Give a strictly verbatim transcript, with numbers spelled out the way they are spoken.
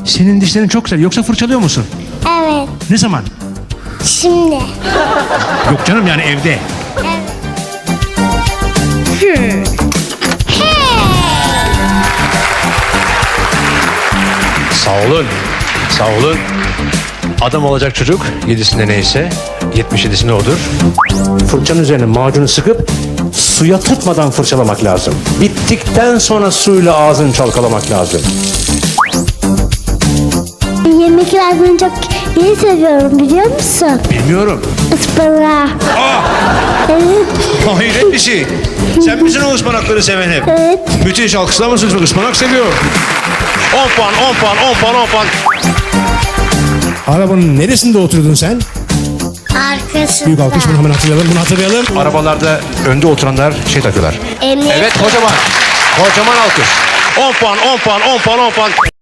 Senin dişlerin çok güzel. Yoksa fırçalıyor musun? Evet. Ne zaman? Şimdi. Yok canım, yani evde. Evet. Sağ olun. Sağ olun. Adam olacak çocuk yedisinde neyse yetmiş yedisinde odur. Fırçanın üzerine macunu sıkıp suya tutmadan fırçalamak lazım. Bittikten sonra suyla ağzını çalkalamak lazım. Yemekler ben çok iyi seviyorum, biliyor musun? Bilmiyorum. Ispanağı. Aa! Evet. Hayret bir şey. Sen misin o ıspanakları seven hep? Evet. Müthiş, alkışlar mısınız? Ispanak seviyor. on puan, on puan, on puan, on puan. Arabanın neresinde oturuyordun sen? Arkasında. Büyük alkış, bunu hemen hatırlayalım, bunu hatırlayalım. Arabalarda önde oturanlar şey takıyorlar. Emniyet. Evet, kocaman. Kocaman alkış. on puan, on puan, on puan, on puan.